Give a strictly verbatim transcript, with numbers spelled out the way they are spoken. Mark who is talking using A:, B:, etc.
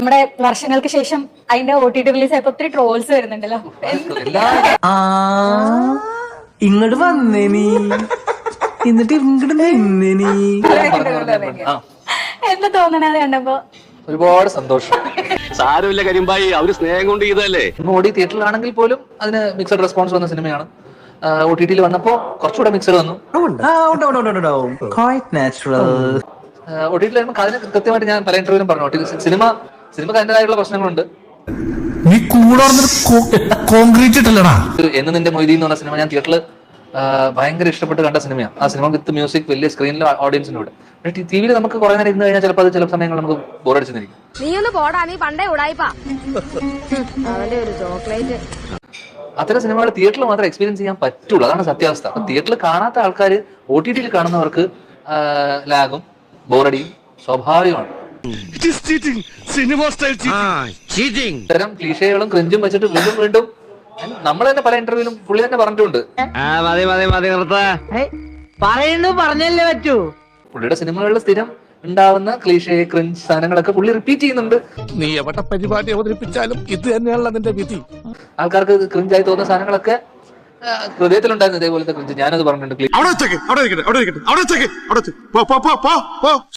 A: നമ്മുടെ വർഷങ്ങൾക്ക് ശേഷം അതിന്റെ ഒ ടി ടി റിലീസ് ആയപ്പോ ഒത്തിരി ട്രോൾസ് വരുന്നുണ്ടല്ലോ.
B: ഇങ്ങോട്ട് വന്നേ നീ, എന്നിട്ട് ഇങ്ങോട്ട് നിന്നേ നീ.
A: എന്താ തോന്നണ കണ്ടപ്പോ?
C: ഒരുപാട് സന്തോഷം.
D: സാരമില്ല കരിമ്പായി, അവര് സ്നേഹം കൊണ്ട് ചെയ്തല്ലേ.
C: ഓടി തിയേറ്ററിലാണെങ്കിൽ പോലും അതിന് മിക്സഡ് റെസ്പോൺസ് വന്ന സിനിമയാണ്. ഒ ടി ടിയിൽ വന്നപ്പോ കുറച്ചുകൂടെ മിക്സഡ് വന്നു. ഒ ടി ടിയിൽ വരുമ്പോൾ അതിന് കൃത്യമായിട്ട് ഞാൻ പല ഇന്റർവ്യൂലും പറഞ്ഞു, സിനിമ സിനിമക്ക് അതിൻ്റെതായുള്ള പ്രശ്നങ്ങളുണ്ട്.
E: നീ കോൺക്രീറ്റ് ഇട്ടല്ലടാ.
C: എന്ന് നിന്റെ മൊയ്തി എന്ന് പറഞ്ഞ സിനിമ ഞാൻ തിയേറ്ററിൽ ഭയങ്കര ഇഷ്ടപ്പെട്ട് കണ്ട സിനിമയാണ്. ആ സിനിമ വിത്ത് മ്യൂസിക് വലിയ സ്ക്രീനിൽ ഓഡിയൻസിനോട്. പക്ഷേ ടി വിയിൽ നമുക്ക് കുറെ നേരം ഇരുന്ന് കഴിഞ്ഞാൽ ചിലപ്പോൾ അത് ചില സമയങ്ങൾ നമുക്ക് ബോറടിച്ചിരിക്കും.
F: നീ ഒന്ന് പോടാ, നീ പണ്ടേ ഉടായിപ്പാ. അവന്റെ ഒരു ചോക്ലേറ്റ്.
C: അത്തരം സിനിമകൾ തിയേറ്ററിൽ മാത്രമേ എക്സ്പീരിയൻസ് ചെയ്യാൻ പറ്റുള്ളൂ. അതാണ് സത്യാവസ്ഥ. അപ്പൊ തിയേറ്ററിൽ കാണാത്ത ആൾക്കാർ ഒ ടി ടിയിൽ കാണുന്നവർക്ക് ലാഗും ബോറടിയും സ്വാഭാവികമാണ്. ഇത്തരം ക്ലീഷകളും ക്രിഞ്ചും വെച്ചിട്ട് വീണ്ടും വീണ്ടും നമ്മൾ തന്നെ പല ഇന്റർവ്യൂലും പുള്ളി തന്നെ പറഞ്ഞിട്ടുണ്ട്.
B: പറയുന്നു പറഞ്ഞല്ലേ പറ്റൂ.
C: പുള്ളിയുടെ സിനിമകളിൽ സ്ഥിരം ഉണ്ടാവുന്ന ക്ലീഷേ ക്രിഞ്ച് സാധനങ്ങളൊക്കെ പുള്ളി റിപ്പീറ്റ് ചെയ്യുന്നുണ്ട്.
E: നീ എവിടെ പരിപാടി അവതരിപ്പിച്ചാലും ഇത് തന്നെയാണല്ലോ അതിന്റെ വിധി.
C: ആൾക്കാർക്ക് ക്രിഞ്ചായി തോന്നുന്ന സാധനങ്ങളൊക്കെ ഹൃദയത്തിലുണ്ടായിരുന്നു ഇതേപോലത്തെ ക്രിഞ്ച്. ഞാനത് പറഞ്ഞിട്ടുണ്ട്.